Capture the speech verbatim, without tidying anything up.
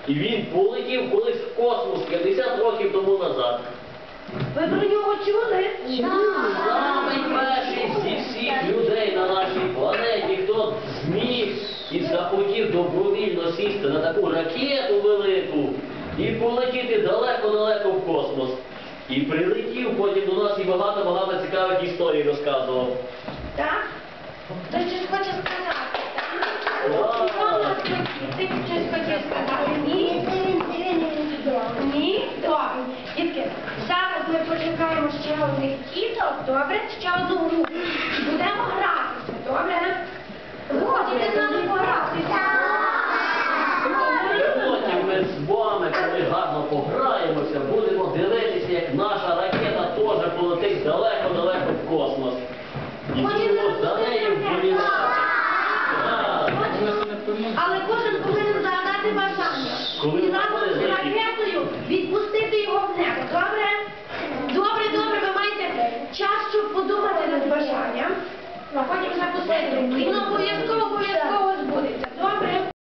І він полетів колись в космос п'ятдесят років тому назад. Ви про нього чули? Самий перший зі всіх людей на нашій планеті, хто зміг і захотів добровільно сісти на таку ракету велику і полетіти далеко-далеко в космос. І прилетів потім до нас і багато-багато цікавих історій розказував. Так? Хтось щось хоче сказати, так? Хто в нас хотів? Ти щось хотів сказати? Ні? Ні? Добре. Дітки, зараз ми почекаємо ще одних тіток, добре? Ще одну групу. І будемо гратися, добре? Ви хочете з нами погратися? Потім ми з вами, коли гарно пограємося, будемо дивитися, як наша ракета теж полетить далеко-далеко в космос. І будемо за нею вболівати. Але кожен повинен загадати бажання. Коли І разом з ракетою відпустити його в небо. Добре? Добре, добре, ви маєте час, щоб подумати над бажанням, а потім запустити. І воно обов'язково, обов'язково збудеться. Добре?